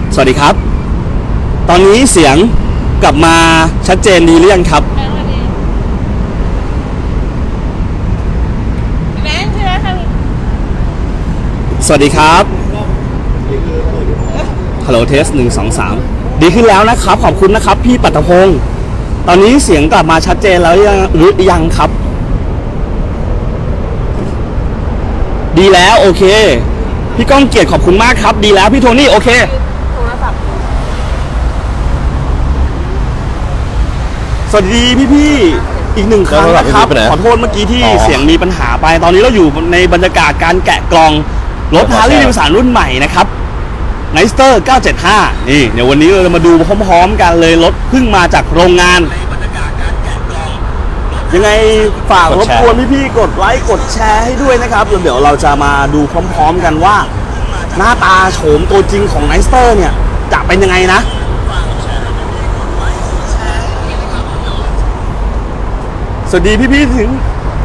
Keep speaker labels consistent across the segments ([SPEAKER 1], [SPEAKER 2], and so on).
[SPEAKER 1] สวัสดีครับตอนนี้เสียงกลับมาชัดเจนดีหรือยังครับสวัสดีครับฮัลโหลเทส1 2 3ดีขึ้นแล้วนะครับขอบคุณนะครับพี่ปัตตพงศ์ตอนนี้เสียงกลับมาชัดเจนแล้วหรือยังครับดีแล้วโอเคพี่ก้องเกียรติขอบคุณมากครับดีแล้วพี่โทนี่โอเคสวัสดีพี่อีกหนึ่งครั้งนะครับขอโทษเมื่อกี้ที่เสียงมีปัญหาไปตอนนี้เราอยู่ในบรรยากาศการแกะกล่องรถ Harley Davidson รุ่นใหม่นะครับ Nightster 975นี่เดี๋ยววันนี้เราจะมาดูพร้อมๆกันเลยรถเพิ่งมาจากโรงงานยังไงฝากรบกวนพี่ๆกดไลค์กดแชร์ให้ด้วยนะครับเดี๋ยวเราจะมาดูพร้อมๆกันว่าหน้าตาโฉมตัวจริงของ Nightster เนี่ยจะเป็นยังไงนะสวัสดีพี่ๆถึง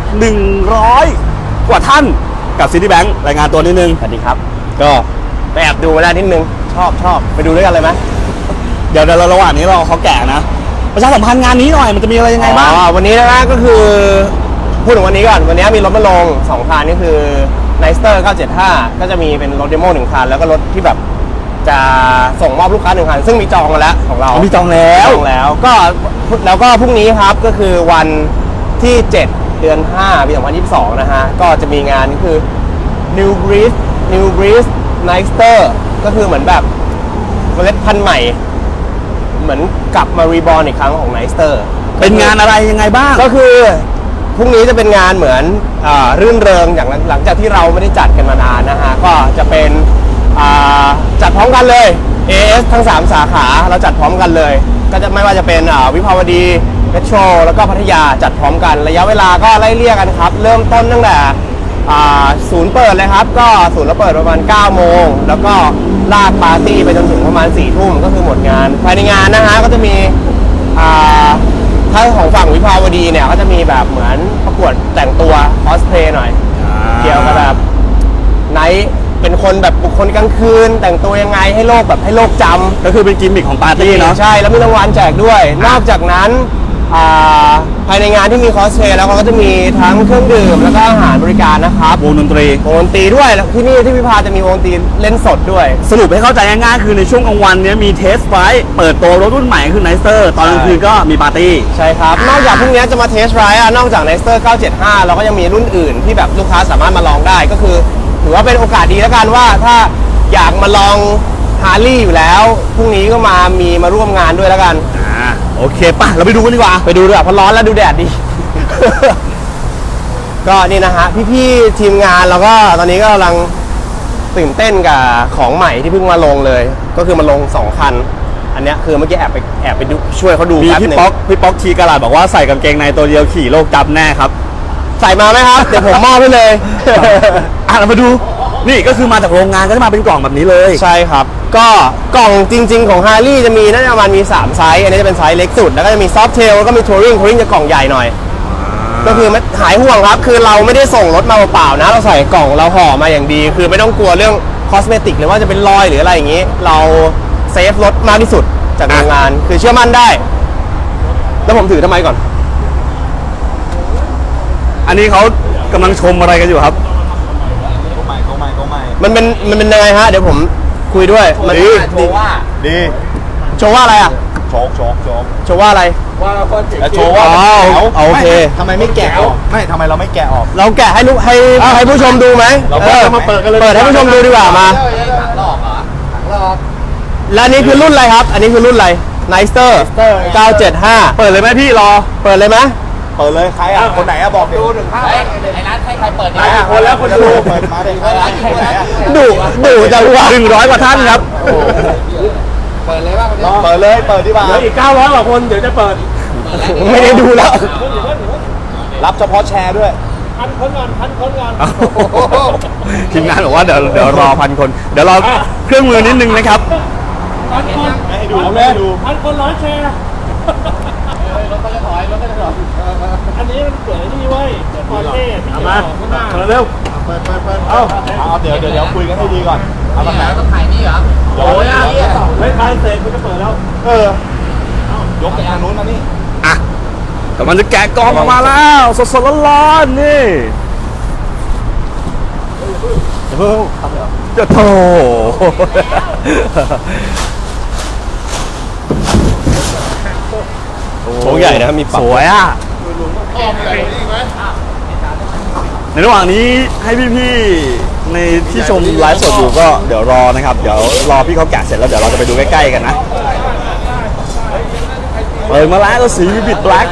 [SPEAKER 1] 100 กว่าท่านกับ Citibank รายงานตัวนิดนึงสวัสดีครับก็ไปแอบดูมาได้นิดนึงชอบไปดูด้วยกันเลยไหมเดี๋ยวระหว่างนี้เราเขาแก่นะประชาสัมพันธ์งานนี้หน่อยมันจะมีอะไรยังไงบ้าง
[SPEAKER 2] วันนี้นะก็คือพูดถึงวันนี้ก่อนวันนี้มีรถมาลง2คันนี่คือ Nightster 975ก็จะมีเป็นรถเดโม1คันแล้วก็รถที่แบบจะส่งมอบลูกค้า1คันซึ่งมีจองมาแล้วของเรา
[SPEAKER 1] มีจองแล้ว
[SPEAKER 2] ก็แล้วก็พรุ่งนี้ครับก็คือวันที่7 เดือน 5 ปี 2022 นะฮะก็จะมีงานนี่คือ New Breed Nightster ก็คือเหมือนแบบเมล็ดพันธุ์ใหม่เหมือนกลับมารีบอร์นอีกครั้งของ Nightster
[SPEAKER 1] เป็นงานอะไรยังไงบ้าง
[SPEAKER 2] ก็คือพรุ่งนี้จะเป็นงานเหมือนรื่นเริงอย่างหลังจากที่เราไม่ได้จัดกันมานานนะฮะก็จะเป็นจัดพร้อมกันเลย AS ทั้ง3 สาขาเราจัดพร้อมกันเลยก็จะไม่ว่าจะเป็นวิภาวดีเมโทรแล้วก็พัทยาจัดพร้อมกันระยะเวลาก็ไล่เลี่ยกันครับเริ่มต้นตั้งแต่ศูนย์เปิดเลยครับก็ศูนย์เราเปิดประมาณ 9 โมงแล้วก็ลากปาร์ตี้ไปจนถึงประมาณ 4 ทุ่มก็คือหมดงานภายในงานนะฮะก็จะมีถ้าของฝั่งวิภาวดีเนี่ยก็จะมีแบบเหมือนประกวดแต่งตัวคอสเพลย์หน่อยเกี่ยวกับแบบไนท์เป็นคนแบบบุคคลกลางคืนแต่งตัวยังไงให้โลกแบบให้โลกจำ
[SPEAKER 1] ก็คือเป็นกิมมิคของปาร์ตี้เนาะ
[SPEAKER 2] ใช่แล้วมีรางวัลแจกด้วยนอกจากนั้นภายในงานที่มีคอสเพลย์แล้วก็จะมีทั้งเครื่องดื่มแล้วก็อาหารบริการนะครับ
[SPEAKER 1] วงดนตรี
[SPEAKER 2] ด้วยแล้วที่นี่ที่พิพาจะมีวงดนตรีเล่นสดด้วย
[SPEAKER 1] สรุปให้เข้าใจง่ายๆคือในช่วงกลางวันนี้มีเทสไฟท์เปิดตัวรถรุ่นใหม่คือ Nightster ตอนกลางคืนก็มีปาร์ตี้
[SPEAKER 2] ใช่ครับนอกจากพรุ่งนี้จะมาเทสไรด์นอกจาก Nightster 975เราก็ยังมีรุ่นอื่นที่แบบลูกค้าสามารถมาลองได้ก็คือถือว่าเป็นโอกาสดีแล้วกันว่าถ้าอยากมาลองฮาร์ลี่อยู่แล้วพรุ่งนี้ก็มาร่วมงานด้วยแล้วกัน
[SPEAKER 1] โอเคป่ะเราไปดูกันดีกว่า
[SPEAKER 2] ไปดูด้วยเพราะร้อนแล้วดูแดดดี ก็นี่นะฮะพี่ๆทีมงานเราก็ตอนนี้ก็กำลังตื่นเต้นกับของใหม่ที่เพิ่งมาลงเลยก็คือมาลง2คันอันนี้คือเมื่อกี้แอบไปดูช่วยเขาดู
[SPEAKER 1] มีพี่ป๊อกทีกระดาษบอกว่าใส่กางเกงในตัวเดียวขี่โลกจับแน่ครับ
[SPEAKER 2] ใส่มาไหมครับ เดี๋ยวผมมอบให้เลย
[SPEAKER 1] เรามาดูนี่ก็คือมาจากโรงงานก็จะมาเป็นกล่องแบบนี้เลย
[SPEAKER 2] ใช่ครับก็กล่องจริงๆของ Harley จะมีน่าจะประมาณมี3ไซส์อันนี้จะเป็นไซส์เล็กสุดแล้วก็จะมี Soft Tail แล้วก็มี Touring จะกล่องใหญ่หน่อยก็คือไม่หายห่วงครับคือเราไม่ได้ส่งรถมาเปล่าๆนะเราใส่กล่องเราห่อมาอย่างดีคือไม่ต้องกลัวเรื่องคอสเมติกหรือว่าจะเป็นรอยหรืออะไรอย่างนี้เราเซฟรถมากที่สุดจากโรงงานคือเชื่อมั่นได้แล้วผมถือทำไมก่อน
[SPEAKER 1] อันนี้เขากำลังชมอะไรกันอยู่ครับ
[SPEAKER 2] มันเป็นยังไงฮะเดี๋ยวผมคุยด้วยมันดีโชว์ว่าอะไรอ่ะโชว์ว่าอะไร
[SPEAKER 3] โชว์ว่า
[SPEAKER 2] โอเค
[SPEAKER 3] ทำไมไม่แกะออกไม่ทำไมเราไม่แกะออก
[SPEAKER 2] เราแกะให้ผู้ชมดูไหม
[SPEAKER 3] เรามาเปิดกันเลย
[SPEAKER 2] เปิดให้ผู้ชมดูดีกว่ามาและนี่คือรุ่นอะไรครับอันนี้คือรุ่นอะไร Nightster 975เปิดเลยไหมพี่รอเปิดเลยไหม
[SPEAKER 3] เปิดเลยใครคนไหนบอกดูหนึ่งภาพ
[SPEAKER 4] ไอ้นัทให้ใครเปิด
[SPEAKER 3] คนแล้วคนดูเปิดมาเลย
[SPEAKER 2] ดูจะว่า
[SPEAKER 1] 100 กว่าท่านครับ
[SPEAKER 4] เปิดเลยว่า
[SPEAKER 3] เปิดเลยเปิดดีกว่า
[SPEAKER 1] เหลืออีก900 กว่าคนเดี๋ยวจะเปิด
[SPEAKER 2] ไม่ได้ดูแล้ว
[SPEAKER 3] รับเฉพาะแชร์ด้วย
[SPEAKER 4] พันคนก่อน
[SPEAKER 1] ทีมงานบอกว่าเดี๋ยวรอ1,000 คนเดี๋ยวรอเครื่องมือนิดนึงนะครับ
[SPEAKER 4] 1,000 คน
[SPEAKER 3] ให้ดูเลย
[SPEAKER 4] 1,000 คน100 แชร์รถก็จะถอยอันนี้มันเปิดนี่เว้ยเปิดคอนเทนต์
[SPEAKER 1] มาเร็ว
[SPEAKER 3] เปิดเอาเดี๋ยวคุยกันให้ดีก่อน
[SPEAKER 4] เอาแบบไหนต้องถ่ายนี่เหรอ
[SPEAKER 3] โอ้ย
[SPEAKER 4] ได้เสร็จมันจะเปิดแล้ว
[SPEAKER 3] ยกไปทางนู้นมานี่
[SPEAKER 1] อ่ะแต่มันจะแกะกล่องออกมาแล้วสดๆร้อนๆนี่
[SPEAKER 2] เพิ่ง
[SPEAKER 1] จะโถ
[SPEAKER 2] โชว์ใหญ่นะครับมีปรับ
[SPEAKER 1] สวยอ่ะในระหว่างนี้ให้พี่ๆในที่ชมไลฟ์สดอยู่ก็เดี๋ยวรอนะครับเดี๋ยวรอพี่เขาแกะเสร็จแล้วเดี๋ยวเราจะไปดูใกล้ๆกันนะเปิดมาแล้วก็สีวิบิดแบล็ค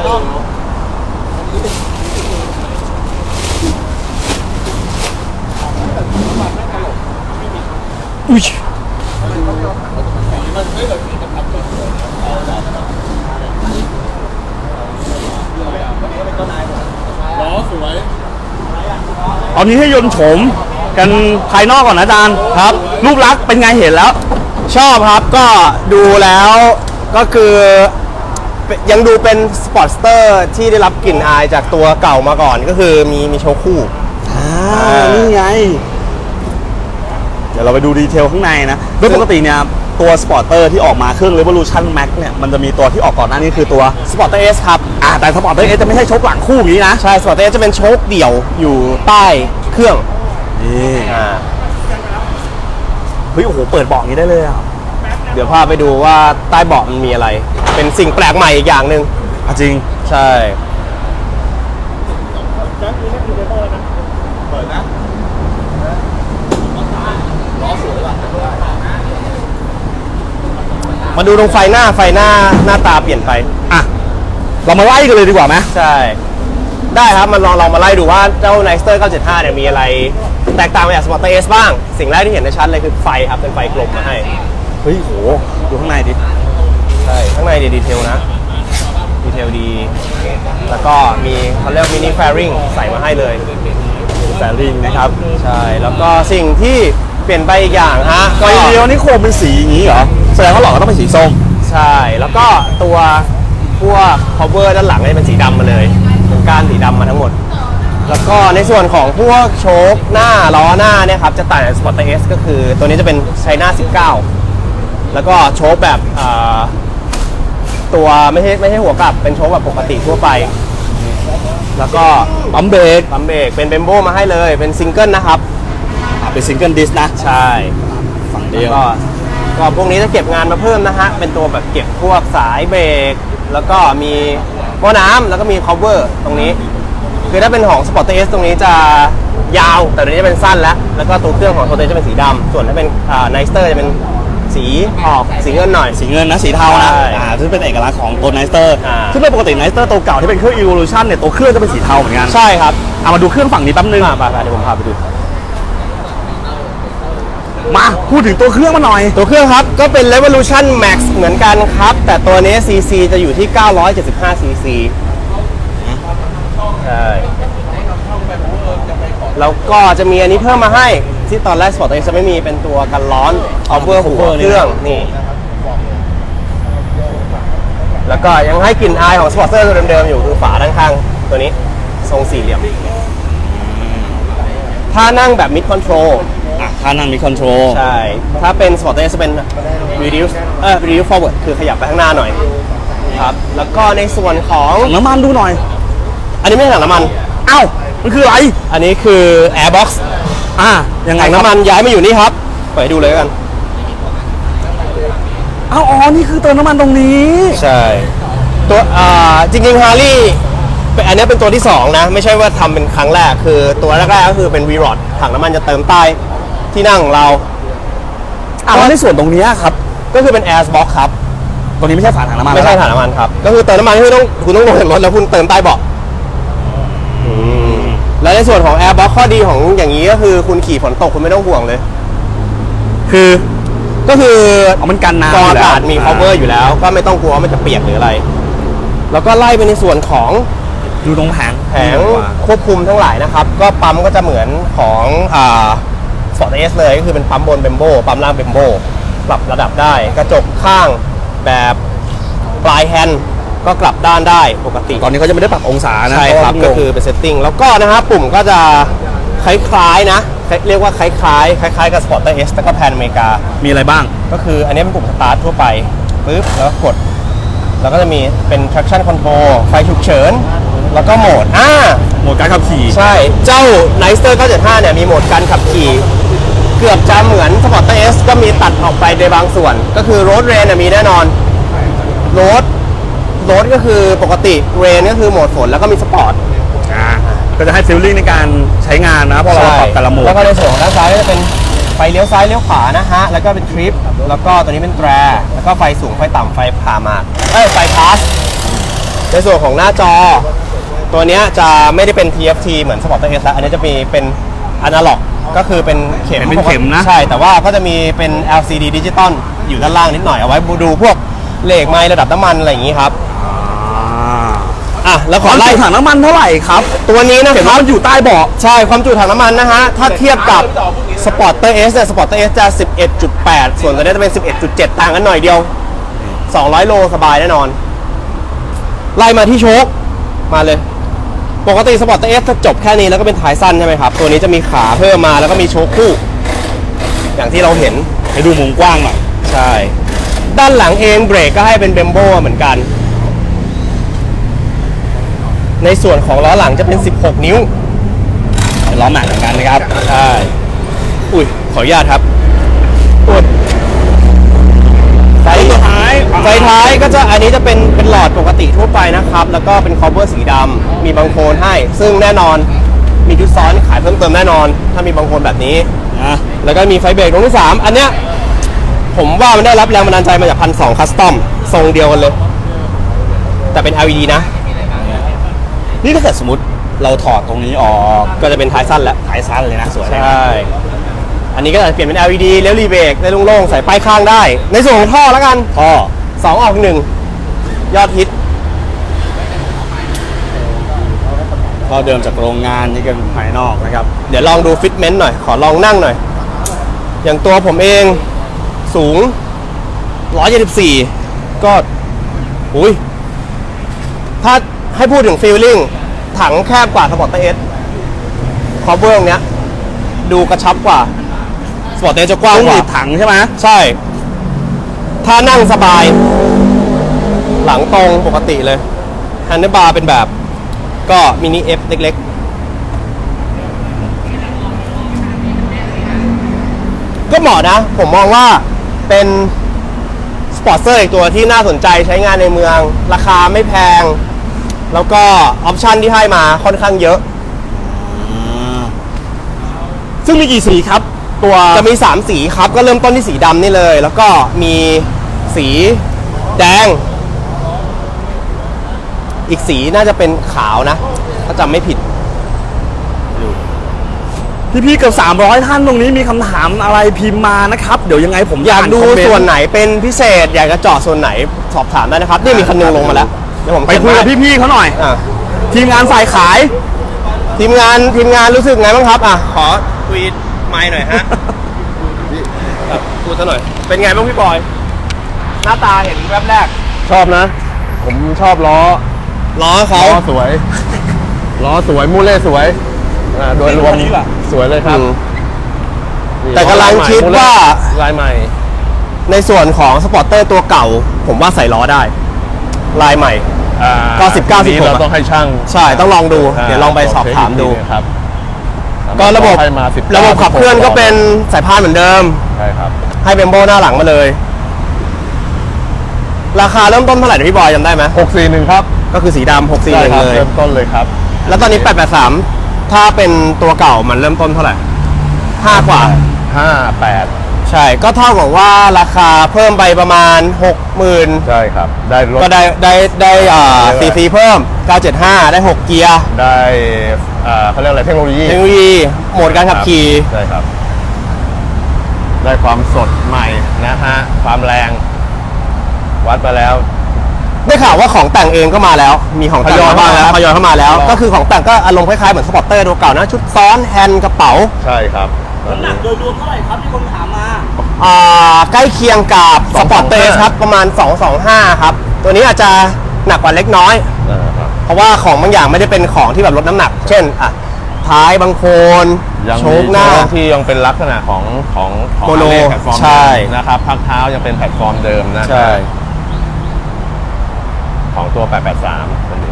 [SPEAKER 1] อุ้ย
[SPEAKER 4] ล้อสวย
[SPEAKER 1] ตอนนี้ให้ยนต์โฉมกันภายนอกก่อนนะอาจารย์ครับ รูปลักษณ์เป็นไงเห็นแล้ว
[SPEAKER 2] ชอบครับก็ดูแล้วก็คือยังดูเป็นสปอร์ตสเตอร์ที่ได้รับกลิ่นอายจากตัวเก่ามาก่อนก็คือมีโชว์คู่
[SPEAKER 1] นี่ไง เดี๋ยวเราไปดูดีเทลข้างในนะโดยปกติเนี่ยตัวสปอร์เตอร์ที่ออกมาเครื่อง Revolution Max เนี่ยมันจะมีตัวที่ออกก่อนหน้านี้คือตัว
[SPEAKER 2] Sporter S ครับ
[SPEAKER 1] แต่สปอร์เตอร์เอจะไม่ใช่ชกหลังคู่อย่างนี้นะ
[SPEAKER 2] ใช่ Sporter S จะเป็นโชคเดี่ยวอยู่ใต้เครื่อง
[SPEAKER 1] นี่
[SPEAKER 2] อ่า
[SPEAKER 1] เฮ้ยโอ้โหเปิดเบาะอย่างนี้ได้เลยอ่ะ
[SPEAKER 2] เดี๋ยวพาไปดูว่าใต้เบาะมันมีอะไร เป็นสิ่งแปลกใหม่อีกอย่างหนึ่ง
[SPEAKER 1] จริง
[SPEAKER 2] ใช่
[SPEAKER 4] จังคือนี่คือเดโมแล้วนะ
[SPEAKER 3] เปิดนะล้อสวยว่ะ
[SPEAKER 2] มาดูตรงไฟหน้าหน้าตาเปลี่ยนไป
[SPEAKER 1] อ่ะเรามาไล่กันเลยดีกว่าไหม
[SPEAKER 2] ใช่ ได้ครับมันลองมาไล่ดูว่าเจ้า Nightster 975 เนี่ยมีอะไรแตกต่างไปจาก Sporter S บ้าง สิ่งแรกที่เห็นได้ชัดเลยคือไฟครับ เป็นไฟกลมมาให้
[SPEAKER 1] เฮ้ยโหดูข้างในดิ
[SPEAKER 2] ใช่ ข้างในดีเทลนะ ดีเทลดี แล้วก็มีเขาเรียกมินิแฟริงใส่มาให้เลย
[SPEAKER 1] แฟลิงนะครับ
[SPEAKER 2] ใช่ แล้วก็สิ่งที่เปลี่ยนไปอีกอย่างฮะ
[SPEAKER 1] ไฟเลี้ยวนี่โคมเป็นสีอย่างนี้เหรอแสดงว่าหลอดก็ต้องเป็นสีส้ม
[SPEAKER 2] ใช่ แล้วก็ตัวพวก cover ด้านหลังเนี่ยเป็นสีดำมาเลยเป็นก้านสีดำมาทั้งหมด แล้วก็ในส่วนของพวกโชคหน้าล้อหน้าเนี่ยครับจะต่างจาก Sporter S ก็คือตัวนี้จะเป็นไชน่า19 แล้วก็โชคแบบตัวไม่ใช่หัวกลับเป็นโชคแบบปกติทั่วไป แล้วก็
[SPEAKER 1] ปั๊มเบรก
[SPEAKER 2] ปั๊มเบรกเป็นเบมโบมาให้เลยเป็นซิงเกิลนะครับ
[SPEAKER 1] เป็นซิงเกิลดิสนะ
[SPEAKER 2] ใช่
[SPEAKER 1] ฝั่งเดี
[SPEAKER 2] แล้
[SPEAKER 1] ยว ว
[SPEAKER 2] ก็พวกนี้จะเก็บงานมาเพิ่มนะฮะ เป็นตัวแบบเก็บพวกสายเบรก แล้วก็มีหม้อน้ำแล้วก็มี cover ตรงนี้ คือถ้าเป็นของ Sporter S ตรงนี้จะยาว แต่ตัวนี้จะเป็นสั้นแล้วก็ตัวเครื่องของ Sporter S จะเป็นสีดำ ส่วนถ้าเป็นNightster จะเป็นสีออกสีเงินหน่อย
[SPEAKER 1] สีเงินนะสีเทานะ
[SPEAKER 2] ใช่
[SPEAKER 1] ซึ่งเป็นเอกลักษณ์ของตัวไนสเตอร์
[SPEAKER 2] อ่า
[SPEAKER 1] ซึ่งโดยปกติไนสเตอร์ตัวเก่าที่เป็นเครื่อง Evolution เนี่ยตัวเครื่องจะเป็นสีเทาเหมือนกัน
[SPEAKER 2] ใช่ครับ
[SPEAKER 1] เอามาดูเครื่องฝั่งนี้แป๊บนึง
[SPEAKER 2] ไปเดี๋ยวผมพาไปดู
[SPEAKER 1] มาพูดถึงตัวเครื่องมาหน่อย
[SPEAKER 2] ตัวเครื่องครับก็เป็น Revolution Max เหมือนกันครับ แต่ตัวนี้ CC จะอยู่ที่ 975 CC ใช่ แล้วก็จะมีอันนี้เพิ่มมาให้ที่ตอนแรก Sporter S จะไม่มีเป็นตัวกันร้อน cover หัวเครื่องนี่ แล้วก็ยังให้กลิ่นอายของ Sporter ตัวเดิมๆอยู่คือฝาด้านข้างตัวนี้ทรงสี่เหลี่ยม ถ้านั่งแบบ mid control
[SPEAKER 1] ท่านั่งมีคอนโทรล
[SPEAKER 2] ใช่ ถ้าเป็น Sporter S จะเป็น reduce forward คือขยับไปข้างหน้าหน่อยครับ แล้วก็ในส่วนของ
[SPEAKER 1] น้ำมันดูหน่อย
[SPEAKER 2] อันนี้ไม่ใช่ถังน้ำมัน
[SPEAKER 1] เอ้ามันคืออะไร
[SPEAKER 2] อันนี้คือ airbox
[SPEAKER 1] ยังไง
[SPEAKER 2] ถัง
[SPEAKER 1] ครับ
[SPEAKER 2] น้ำมันย้ายมาอยู่นี่ครับเปิดให้ดูเลยกัน
[SPEAKER 1] เอ้าอ๋อนี่คือเติมน้ำมันตรงนี้
[SPEAKER 2] ใช่ ตัวจริงๆ Harley อันนี้เป็นตัวที่ 2 นะ ไม่ใช่ว่าทำเป็นครั้งแรก คือตัวแรกๆ ก็คือเป็น V-Rod ถังน้ำมันจะเติมใต้ที่นั่งของเรา
[SPEAKER 1] แล้วในส่วนตรงนี้ครับ
[SPEAKER 2] ก็คือเป็น airbox ครับ
[SPEAKER 1] ตรงนี้ไม่ใช่ฝาถังน้ำมัน
[SPEAKER 2] ไม่ใช่
[SPEAKER 1] แล้ว
[SPEAKER 2] ถังน้ำมันครับ ก็คือเติมน้ำมันที่คุณต้องลงจากรถแล้วคุณเติมใต้เบาะแล้วในส่วนของ airbox ข้อดีของอย่างนี้ก็คือคุณขี่ฝนตกคุณไม่ต้องห่วงเลย
[SPEAKER 1] คือ
[SPEAKER 2] ก็คือ
[SPEAKER 1] มันกันน้ำ
[SPEAKER 2] กรองอากาศมี
[SPEAKER 1] อยู่แล้ว
[SPEAKER 2] cover อยู่แล้ว ก็ไม่ต้องกลัวว่ามันจะเปียกหรืออะไร แล้วก็ไล่ไปในส่วนของ
[SPEAKER 1] ดูตรงแผง
[SPEAKER 2] แผงควบคุมทั้งหลายนะครับ ก็ปั๊มก็จะเหมือนของSporter S เลยก็คือเป็นปั๊มบนเบมโบปั๊มล่างเบมโบปรับระดับได้ กระจกข้างแบบปลายแฮนด์ก็กลับด้านได้ปกติ
[SPEAKER 1] ตอนนี้เขาจะไม่ได้ปรับองศานะ
[SPEAKER 2] ใช่ครับ
[SPEAKER 1] เพาะว่า
[SPEAKER 2] ก็คือเป็นเซตติ้งแล้วก็นะฮะปุ่มก็จะคล้ายๆนะเรียกว่าคล้ายๆกับ Sporter S แล้วก็แพนอเมริกา
[SPEAKER 1] มีอะไรบ้าง
[SPEAKER 2] ก็คืออันนี้เป็นปุ่มสตาร์ททั่วไปปึ๊บแล้วก็กด แล้วก็จะมีเป็น traction control ไฟฉุกเฉินแล้วก็โหมด
[SPEAKER 1] โหมดการขับขี่
[SPEAKER 2] ใช่เจ้า Nicer 975เนี่ยมีโหมดการขับขี่เกือบจะเหมือน Sporter S ก็มีตัดออกไปในบางส่วน ก็คือ Road Rain มีแน่นอน Road ก็คือปกติ Rain ก็คือโหมดฝนแล้วก็มีสปอร์ต
[SPEAKER 1] ก็จะให้ฟีลลิ่งในการใช้งานนะเพราะเราปรับแต่ละโหมด
[SPEAKER 2] แล้วก็ในส่วนของด้านซ้ายก็จะเป็นไฟเลี้ยวซ้ายเลี้ยวขวานะฮะแล้วก็เป็นทริปแล้วก็ตัวนี้เป็นแตรแล้วก็ไฟสูงไฟต่ำไฟผ่าหมากไฟพาสในส่วนของหน้าจอ ตัวเนี้ยจะไม่ได้เป็น TFT เหมือน Sporter S แล้วอันนี้จะมีเป็นอนาล็อกก็คือเป็นเข็ม
[SPEAKER 1] เป็นเข็มนะ
[SPEAKER 2] ใช่แต่ว่าก็จะมีเป็น LCD ดิจิตอลอยู่ด้านล่างนิดหน่อยเอาไว้ดูพวกเลขไมล์ระดับน้ำมันอะไรอย่างนี้ครับแล้วขอไล่
[SPEAKER 1] ถังน้ำมันเท่าไหร่ครับ
[SPEAKER 2] ตัวนี้นะ
[SPEAKER 1] เห็น
[SPEAKER 2] ค
[SPEAKER 1] ว่า
[SPEAKER 2] รับ
[SPEAKER 1] มันอยู่ใต้เบาะ
[SPEAKER 2] ใช่ความจุถังน้ำมันนะฮะถ้าเทียบกับ Sporter S เนี่ย Sporter S จะ 11.8 ส่วนตัวนี้จะเป็น 11.7 ต่างกันหน่อยเดียว 200 โลสบายแน่นอน ไล่มาที่โชคมาเลย ปกติ Sporter S จะจบแค่นี้แล้วก็เป็นท้ายสั้นใช่ไหมครับ ตัวนี้จะมีขาเพิ่มมาแล้วก็มีโชคคู่ อย่างที่เราเห็น
[SPEAKER 1] ให้ดูมุมกว้างหน่อย
[SPEAKER 2] ใช่ ด้านหลังเองเบรกก็ให้เป็นเบมโบเหมือนกัน ในส่วนของล้อหลังจะเป็น 16 นิ้ว
[SPEAKER 1] ล้อแม็กเหมือนกันนะครับ
[SPEAKER 2] ใช่ อุ้ย ขออนุญาตครับอุ้ยไฟท้ายก็จะอันนี้จะเป็นหลอดปกติทั่วไปนะครับ แล้วก็เป็นคอเวอร์สีดำมีบังโคลนให้ ซึ่งแน่นอนมีชุดซ้อนขายเพิ่มเติมแน่นอน ถ้ามีบังโคลนแบบนี้ แล้วก็มีไฟเบรกดวงที่ 3 อันเนี้ยผมว่ามันได้รับแรงบันดาลใจมาจาก1,200 คัสตอมทรงเดียวกันเลย แต่เป็น LED นะ
[SPEAKER 1] นี่ถ้าเกิดสมมติเราถอดตรงนี้ออก
[SPEAKER 2] ก็จะเป็นท้ายสั้นแล้ว
[SPEAKER 1] ท้ายสั้นเลยนะสวยเลย
[SPEAKER 2] ใช่ อันนี้ก็จะเปลี่ยนเป็น LED เลี้ยวรีเบรกได้โล่งๆ ใส่ป้ายข้างได้ ในส่วนของท่อแล้วกัน
[SPEAKER 1] ท่อ
[SPEAKER 2] 2 ออก 1 ยอดฮิต
[SPEAKER 1] ท่อเดิมจากโรงงานนี่กันภายนอกนะครับ
[SPEAKER 2] เดี๋ยวลองดูฟิตเมนต์หน่อย ขอลองนั่งหน่อย อย่างตัวผมเองสูง 174 ก็อุ้ยถ้าให้พูดถึงฟีลลิ่งถังแคบกว่า Sporter S คอเวอร์ตรงเนี้ยดูกระชับกว่า Sporter S จะกว้างกว่า
[SPEAKER 1] ถังใช่ไหม
[SPEAKER 2] ใช่ ถ้านั่งสบาย หลังตรงปกติเลยแฮนเดิลบาร์เป็นแบบก็มินิ F เล็กๆ ก็เหมาะนะ ผมมองว่าเป็นสปอร์ตเซอร์อีกตัวที่น่าสนใจใช้งานในเมือง ราคาไม่แพง แล้วก็ออปชันที่ให้มาค่อนข้างเยอะ
[SPEAKER 1] ซึ่งมีกี่สีครับ ตัว
[SPEAKER 2] จะมี 3 สีครับ ก็เริ่มต้นที่สีดำนี่เลย แล้วก็มีสีแดง อีกสีน่าจะเป็นขาวนะ ถ้าจำไม่ผิด
[SPEAKER 1] พี่ๆเกือบ300 ท่านตรงนี้มีคำถามอะไรพิมพ์มานะครับ เดี๋ยวยังไงผม
[SPEAKER 2] อยากดู
[SPEAKER 1] คอมเมต์
[SPEAKER 2] ส่วนไหนเป็นพิเศษ อยากจะเจาะส่วนไหนสอบถามได้นะครับ นี่มีคันหนึงลงมาแล้วเดี๋ยวผม
[SPEAKER 1] ไปคุยกับพี่ๆเขาหน่อย ทีมงานฝ่ายขาย
[SPEAKER 2] ทีมงานรู้สึกไงบ้างครับขอคุยไมค์หน่อยฮะ พูดซะหน่อย เป็นไงบ้างพี่บอย หน้าตาเห็นแวบแรก
[SPEAKER 3] ชอบนะ ผมชอบล้อ
[SPEAKER 2] ล้อเขา
[SPEAKER 3] สวย ล้อสวย มูเล่สวย โดยรวม
[SPEAKER 1] คันนี้ล่ะ
[SPEAKER 3] สวยเลยครับ
[SPEAKER 2] แต่กำลังคิดว่า
[SPEAKER 3] ลายใหม่
[SPEAKER 2] ในส่วนของสปอร์เตอร์ตัวเก่า ผมว่าใส่ล้อได้ ลายใหม่ ก็ 19
[SPEAKER 3] นี้
[SPEAKER 2] 16
[SPEAKER 3] เราต้องให้ช่าง
[SPEAKER 2] ใช่ต้องลองดู เดี๋ยวลองไปสอบถามดู
[SPEAKER 3] ครับ
[SPEAKER 2] ก็ระบบ
[SPEAKER 3] ให้มา19
[SPEAKER 2] ระบบขับเคลื่อนก็เป็นสายพานเหมือนเดิม
[SPEAKER 3] ใช่ครับ
[SPEAKER 2] ให้เบมโบหน้าหลังมาเลย ราคาเริ่มต้นเท่าไหร่นะพี่บอยจำได้ไหม
[SPEAKER 3] 641 ครับ
[SPEAKER 2] ก็คือสีดำ
[SPEAKER 3] ใช่ครั
[SPEAKER 2] 641 เลย
[SPEAKER 3] เริ่มต้นเลยครับ
[SPEAKER 2] แล้วตอนนี้ 883 ถ้าเป็นตัวเก่ามันเริ่มต้นเท่าไหร่ 5 กว่า
[SPEAKER 3] 58
[SPEAKER 2] ใช่ ก็เท่ากับว่าราคาเพิ่มไปประมาณ 60,000
[SPEAKER 3] ใช่ครับ ได้รถ
[SPEAKER 2] ก็ได้ซีซีเพิ่ม 975 ได้ 6 เกียร์
[SPEAKER 3] ได้เขาเรียกอะไรเทคโนโลยี
[SPEAKER 2] เทคโนโลยีโหมดการขับขี่
[SPEAKER 3] ใช่ครับ ได้ความสดใหม่นะฮะ ความแรง วัดไปแล้ว
[SPEAKER 2] ได้ข่าวว่าของแต่งเองก็มาแล้ว มีของแต่ง
[SPEAKER 3] ทยอย
[SPEAKER 2] มาบ้างแล้ว
[SPEAKER 3] มาแล้ว
[SPEAKER 2] ทยอยเข้ามาแล้ว
[SPEAKER 3] ครับ
[SPEAKER 2] ก็คือของแต่งก็อารมณ์คล้ายๆเหมือนสปอร์ตเตอร์ตัวเก่านะ ชุดซ้อนแฮนด์กระเป๋า
[SPEAKER 3] ใช่ครับ
[SPEAKER 1] น้ำหนักโดยรวมเท่าไหร่ครับที่คนถามมา
[SPEAKER 2] ใกล้เคียงกับสปอร์ตเตอร์ครับ ประมาณ 225 ครับ ตัวนี้อาจจะหนักกว่าเล็กน้อย
[SPEAKER 3] นะครับ
[SPEAKER 2] เพราะว่าของบางอย่างไม่ได้เป็นของที่แบบลดน้ำหนัก เช่นท้ายบางโคน
[SPEAKER 3] ยัง
[SPEAKER 2] โช
[SPEAKER 3] มี
[SPEAKER 2] คหน้า
[SPEAKER 3] โชคที่ยังเป็นลักษณะของ
[SPEAKER 2] โมโน
[SPEAKER 3] Harley แพลตฟอร์ม
[SPEAKER 2] ใช่
[SPEAKER 3] เดิมนะครับพักเท้ายังเป็นแพลตฟอร์มเดิมนะ
[SPEAKER 2] ใช่
[SPEAKER 3] ของตัว 883ตัวนี้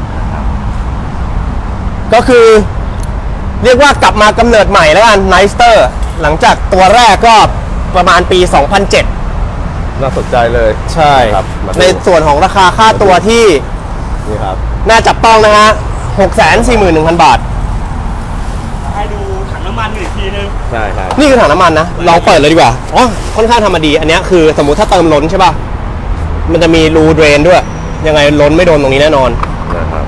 [SPEAKER 2] ก็คือเรียกว่ากลับมากำเนิดใหม่แล้วกันไนสเตอร์หลังจากตัวแรกก็ประมาณปี 2007
[SPEAKER 3] น่าสนใจเลย
[SPEAKER 2] ใช่
[SPEAKER 3] ครับมาดู
[SPEAKER 2] ในส่วนของราคาค่าตัวที่
[SPEAKER 3] นี่ครับ
[SPEAKER 2] น่าจับต้องนะฮะ 641,000 บาท
[SPEAKER 1] ให้ดูถังน้ำมันอีกทีนึง
[SPEAKER 3] ใช่ครับ
[SPEAKER 2] นี่คือถังน้ำมันนะ เราเปิดเลยดีกว่า อ๋อ ค่อนข้างทำมาดี อันเนี้ยคือสมมุติถ้าเติมล้นใช่ป่ะ มันจะมีรูเดรนด้วย ยังไงล้นไม่โดนตรงนี้แน่นอน
[SPEAKER 3] นะครับ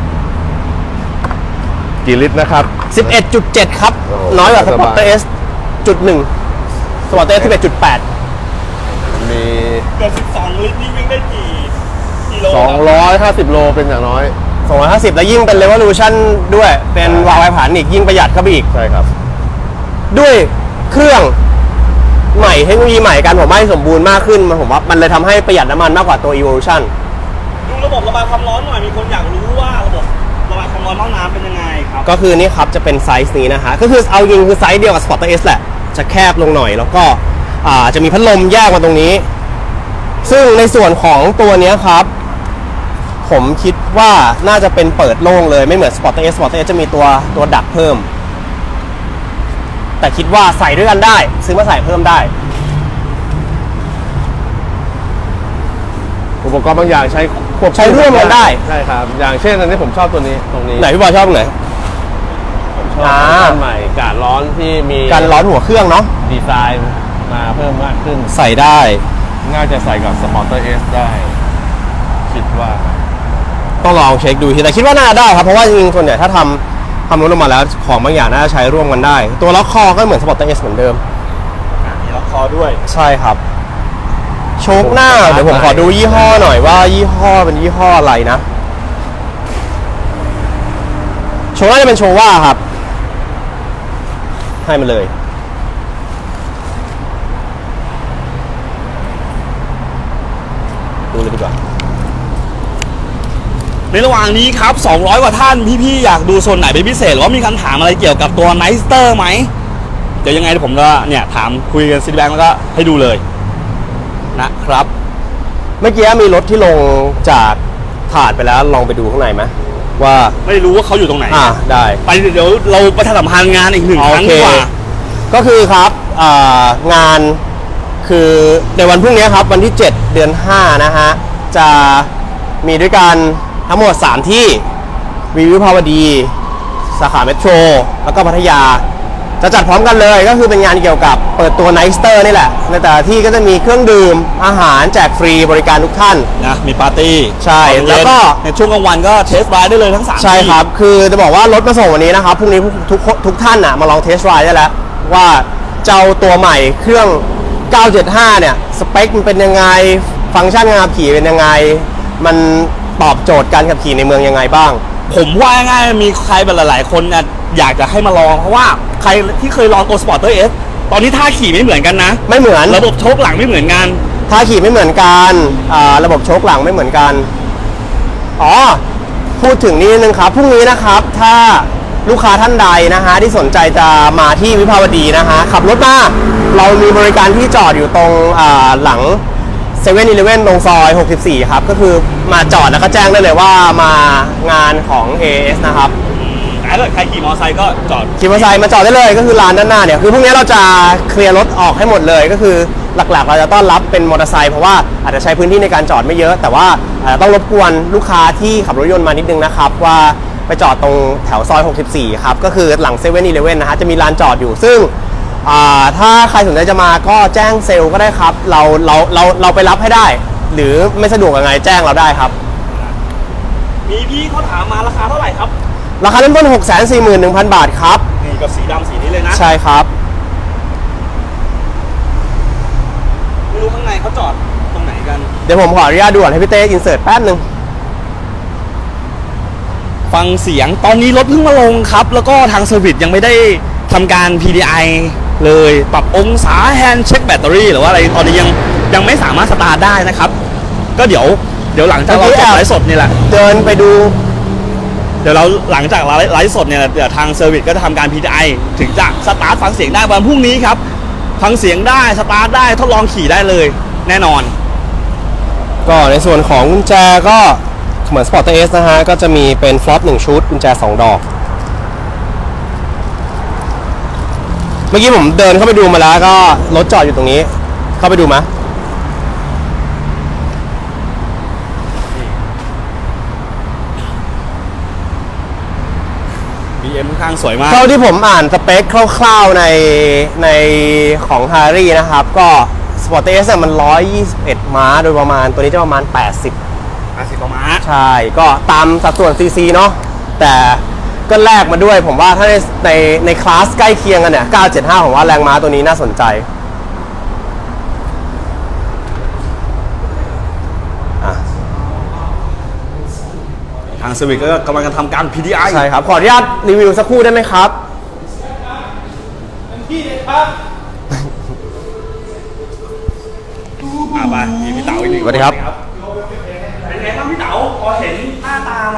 [SPEAKER 3] กี่ลิตรนะครับ
[SPEAKER 2] 11.7 ครับ
[SPEAKER 3] โอ้โห
[SPEAKER 2] น้อยกว่าส
[SPEAKER 3] ส
[SPEAKER 2] ป
[SPEAKER 3] บาย
[SPEAKER 2] อร์ตเอสจุดหนึ่งสปอร์ตเอส11.8
[SPEAKER 3] มี
[SPEAKER 1] เกือบ12 ลิตรนี่วิ่งได้กี่โลครับ
[SPEAKER 3] 250 โลเป็นอย่างน้อย
[SPEAKER 2] 250 แล้วยิ่งเป็น Revolution ด้วย เป็นวาล์วไอผ่านอีกยิ่งประหยัดเข้าไปอีก
[SPEAKER 3] ใช่ครับ
[SPEAKER 2] ด้วยเครื่องใหม่เทคโนโลยีใหม่กันผมว่าให้สมบูรณ์มากขึ้นผมว่ามันเลยทำให้ประหยัดน้ำมันมากกว่าตัว Evolution
[SPEAKER 1] ดูระบบระบายความร้อนหน่อย มีคนอยากรู้ว่าระบบระบายความร้อนห้องน้ำเป็นยังไงครับ
[SPEAKER 2] ก็คือนี่ครับจะเป็นไซส์นี้นะฮะก็คือเอาจริงคือไซส์เดียวกับ Sporter S แหละ จะแคบลงหน่อยแล้วก็จะมีพัดลมแยกมาตรงนี้ ซึ่งในส่วนของตัวเนี้ยครับ ผมคิดว่าน่าจะเป็นเปิดโล่งเลยไม่เหมือน Sporter S Sporter S จะมีตัวดักเพิ่ม แต่คิดว่าใส่ด้วยกันได้ ซื้อมาใส่เพิ่มได้
[SPEAKER 3] อุปกรณ์บางอย่างใช้ควบคู่
[SPEAKER 2] ใช้ร่วมกันได้
[SPEAKER 3] ใช่ครับ อย่างเช่นอันนี้ผมชอบตัวนี้ตรงนี้
[SPEAKER 2] ไหนพี่บอยชอบตรงไหน
[SPEAKER 3] ผมชอบ
[SPEAKER 2] อ่า
[SPEAKER 3] อันใหม่การร้อนที่มี
[SPEAKER 2] การร้อนหัวเครื่องเนาะ
[SPEAKER 3] ดีไซน์มาเพิ่มมากขึ้น
[SPEAKER 2] ใส่ได้
[SPEAKER 3] น่าจะใส่กับ Sporter S ได้ คิดว่า
[SPEAKER 2] ต้องลองเช็คดูทีแต่คิดว่าน่าได้ครับเพราะว่าจริงๆส่วนใหญ่ถ้าทำรถออกมาแล้วของบางอย่างน่าจะใช้ร่วมกันได้ ตัวล็อกคอก็เหมือน Sporter S เหมือนเดิม
[SPEAKER 1] มีล็อกคอด้วย
[SPEAKER 2] ใช่ครับ โชคหน้าเดี๋ยวผมขอดูยี่ห้อหน่อยว่ายี่ห้อเป็นยี่ห้ออะไรนะ โชคหน้าจะเป็นโชว่าครับ ให้มาเลย ดูเลยดีกว่า
[SPEAKER 1] ในระหว่างนี้ครับ 200 กว่าท่านพี่ๆอยากดูโซนไหนเป็นพิเศษหรือว่ามีคำถามอะไรเกี่ยวกับตัว n i สเตอร์ไหม เดี๋ยวยังไงเดี๋ยวผมก็เนี่ยถามคุยกันซีแบงก์แล้วก็ให้ดูเลยนะครับ
[SPEAKER 2] เมื่อกี้มีรถที่ลงจากถาดไปแล้วลองไปดูข้างในไหมว่า
[SPEAKER 1] ไม่รู้ว่าเขาอยู่ตรงไหน
[SPEAKER 2] ได้
[SPEAKER 1] ไปเดี๋ยวเราประชาสัมพันธ์งานอีกหนึ่งครั้ง
[SPEAKER 2] โอเค
[SPEAKER 1] ดีกว่า
[SPEAKER 2] ก็คือครับงานคือในวันพรุ่งนี้ครับวันที่ 7 เดือน 5 นะฮะ จะมีด้วยกันทั้งหมด 3 ที่วิภาวดี สาขาเมโทร แล้วก็พัทยา จะจัดพร้อมกันเลยก็คือเป็นงานเกี่ยวกับเปิดตัวไนสเตอร์นี่แหละ ในแต่ละที่ก็จะมีเครื่องดื่มอาหารแจกฟรีบริการทุกท่าน
[SPEAKER 1] นะมีปาร์ตี้
[SPEAKER 2] ใช่
[SPEAKER 1] ตอนเย็น
[SPEAKER 2] แล้วก็
[SPEAKER 1] ในช่วงกลางวันก็เทสไดรฟ์ได้เลยทั้ง3
[SPEAKER 2] ใช่ครับ คือจะบอกว่ารถมาส่งวันนี้นะครับ พรุ่งนี้ทุกท่านมาลองเทสไรด์ได้แล้ว ว่าเจ้าตัวใหม่เครื่อง 975 เนี่ย สเปคมันเป็นยังไง ฟังก์ชันการขับขี่เป็นยังไง มันตอบโจทย์การขับขี่ในเมืองยังไงบ้าง
[SPEAKER 1] ผมว่าง่ายๆมีใครแบบหลายๆคนเนี่ยอยากจะให้มาลองเพราะว่าใครที่เคยลองตัว Sporter S ตอนนี้ท่าขี่ไม่เหมือนกันนะ
[SPEAKER 2] ไม่เหมือน
[SPEAKER 1] ระบบโชคหลังไม่เหมือนกัน
[SPEAKER 2] ท่าขี่ไม่เหมือนกันระบบโชคหลังไม่เหมือนกัน อ๋อ พูดถึงนี้นึงครับ พรุ่งนี้นะครับ ถ้าลูกค้าท่านใดนะฮะที่สนใจจะมาที่วิภาวดีนะฮะ ขับรถมา เรามีบริการที่จอดอยู่ตรงหลัง7 e เ e ่ e ตรงซอย 64 ครับ ก็คือมาจอดแล้วก็แจ้งได้เลยว่ามางานของ AS นะครับ
[SPEAKER 1] แต่ถ้าเกิดใครขี่มอเตอร์ไซค์ก็จอด
[SPEAKER 2] ขี่มอเตอร์ไซค์มาจอดได้เลยก็คือลานด้านหน้าเนี่ยคือพรุ่งนี้เราจะเคลียร์รถออกให้หมดเลยก็คือหลักๆ เราจะต้อนรับเป็นมอเตอร์ไซค์เพราะว่าอาจจะใช้พื้นที่ในการจอดไม่เยอะ แต่ว่าต้องรบกวนลูกค้าที่ขับรถยนต์มานิดนึงนะครับว่าไปจอดตรงแถวซอย 64 ครับก็คือหลัง7 e เ e ่ e นะฮะจะมีลานจอดอยู่ซึ่งถ้าใครสนใจจะมาก็แจ้งเซลล์ก็ได้ครับเราไปรับให้ได้ หรือไม่สะดวกยังไงแจ้งเราได้ครับ
[SPEAKER 1] มีพี่เขาถามมาราคาเท่าไหร่ครับ
[SPEAKER 2] ราคาเริ่มต้น 641,000 บาทครับ
[SPEAKER 1] นี่กับสีดำสีนี้เลยนะ
[SPEAKER 2] ใช่ครับ
[SPEAKER 1] ไม่รู้ข้างในเขาจอดตรงไหนกัน
[SPEAKER 2] เดี๋ยวผมขออนุญาตด่วนให้พี่เต้อินเสิร์ตแป๊บนึง
[SPEAKER 1] ฟังเสียงตอนนี้รถเพิ่งมาลงครับ แล้วก็ทางเซอร์วิสยังไม่ได้ทำการ PDI เลยปรับองศาแฮนด์เช็คแบตเตอรี่หรือว่าอะไรตอนนี้ยังไม่สามารถสตาร์ทได้นะครับ ก็เดี๋ยวหลังจากเราจบไลฟ์สดนี่แหละ
[SPEAKER 2] เดินไปดู
[SPEAKER 1] เดี๋ยวเราหลังจากไลฟ์สดเนี่ยเดี๋ยวทางเซอร์วิสก็จะทำการ PTI ถึงจะสตาร์ทฟังเสียงได้วันพรุ่งนี้ครับฟังเสียงได้สตาร์ทได้ทดลองขี่ได้เลยแน่นอน
[SPEAKER 2] ก็ในส่วนของกุญแจก็เหมือน Sport S นะฮะก็จะมีเป็นฟลอป1ชุดกุญแจ2ดอกเมื่อกี้ผมเดินเข้าไปดูมาแล้วก็รถจอดอยู่ตรงนี้เข้าไปดูมั้ย
[SPEAKER 1] BM ค่อนข้างสวยมาก
[SPEAKER 2] เท่าที่ผมอ่านสเปคคร่าวๆในของ Harry นะครับก็ Sport S เนี่ยมัน121ม้าโดยประมาณตัวนี้จะประมาณ80
[SPEAKER 1] ประมาณ
[SPEAKER 2] ใช่ก็ตามสัดส่วน CC เนาะแต่ก็แลกมาด้วยผมว่าถ้าในคลาสใกล้เคียงกันเนี่ย975ผมว่าแรงม้าตัวนี้น่าสนใจ
[SPEAKER 1] ทางเซอร์วิสก็กำลังจะทำการ PTI
[SPEAKER 2] ใช่ครับขออนุญาตรีวิวสักครู่ได้ไหมครับ
[SPEAKER 4] ที่เลยครับ
[SPEAKER 1] ไปมีพี่เต๋าอีกหนึ่ง
[SPEAKER 2] สวัสดีครับ
[SPEAKER 1] เป็นไงบ้างพี่เต๋าพอเห็นหน้าตา